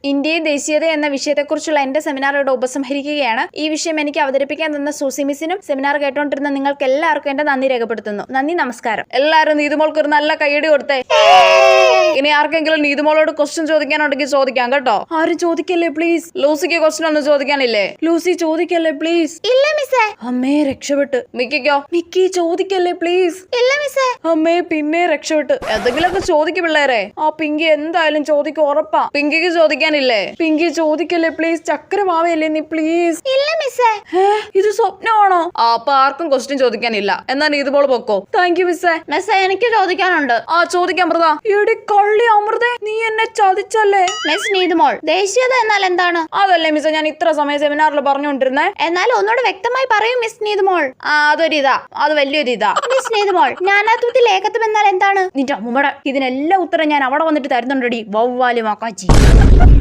ഇന്ത്യയിൽ ദേശീയത എന്ന വിഷയത്തെക്കുറിച്ചുള്ള എന്റെ സെമിനാർ ഇവിടെ ഉപസംഹരിക്കുകയാണ്. ഈ വിഷയം എനിക്ക് അവതരിപ്പിക്കാൻ തന്ന സൂസി മിസ്സിനും സെമിനാർ കേട്ടോണ്ടിരുന്ന നിങ്ങൾക്ക് എല്ലാവർക്കും എന്റെ നന്ദി രേഖപ്പെടുത്തുന്നു. നന്ദി, നമസ്കാരം. എല്ലാവരും നീതുമോൾക്ക് ഒരു നല്ല കൈയടി കൊടുത്തേ. ഇനി ആർക്കെങ്കിലും നീതുമോളോട് ക്വസ്റ്റ്യൻ ചോദിക്കാനുണ്ടെങ്കിൽ ചോദിക്കാം കേട്ടോ. ആരും ചോദിക്കല്ലേ പ്ലീസ്. ലൂസിക്ക് ക്വസ്റ്റ്യൻ ഒന്നും ചോദിക്കാനില്ലേ? Lucy ചോദിക്കല്ലേ please. ഇല്ല മിസ്സേ. അമ്മേ രക്ഷപ്പെട്ട്. മിക്കിക്കോ? മിക്കി ചോദിക്കല്ലേ പ്ലീസ്. ഇല്ല മിസ്സേ. അമ്മേ പിന്നെ രക്ഷപ്പെട്ട്. എന്തെങ്കിലുമൊക്കെ ചോദിക്കും പിള്ളേരെ. ആ പിങ്കി എന്തായാലും ചോദിക്കും, ഉറപ്പാ. പിങ്കിക്ക് ചോദിക്കാനില്ലേ? പിങ്കി ചോദിക്കല്ലേ പ്ലീസ്. ചക്രമാവയല്ലേ നീ പ്ലീസ്. ഇല്ല മിസ്സേ. ഇത് സ്വപ്നമാണോ? അപ്പൊ ആർക്കും ക്വസ്റ്റ്യൻ ചോദിക്കാനില്ല. എന്നാ നീതുമോള് പൊക്കോ. താങ്ക് യു മിസ്സേ. മിസ്സേ എനിക്ക് ചോദിക്കാനുണ്ട്. ആ ചോദിക്കാം അമൃത. എടി കള്ളി അമൃത, നീ എന്നെ ചതിച്ചല്ലേ. മിസ് നീതുമോൾ, ദേശീയത എന്നാൽ എന്താണ്? അതല്ലേ മിസ്സേ ഞാൻ ഇത്ര സമയം സെമിനാറിൽ പറഞ്ഞുകൊണ്ടിരുന്നേ. എന്നാൽ ഒന്നുകൂടെ വ്യക്തമായി പറയൂ മിസ് നീതുമോൾ. അതൊരിതാ, അത് വലിയൊരിതാ. മിസ് നീതുമോൾ, നാനാത്വത്തിൽ ഏകത്വം എന്നാൽ എന്താണ്? നിന്റെ അമ്മൂമ്മടെ ഇതിനെല്ലാം ഉത്തരം ഞാൻ അവിടെ വന്നിട്ട് തരുന്നുണ്ടടി വവ്വാലി മക്കാച്ചി.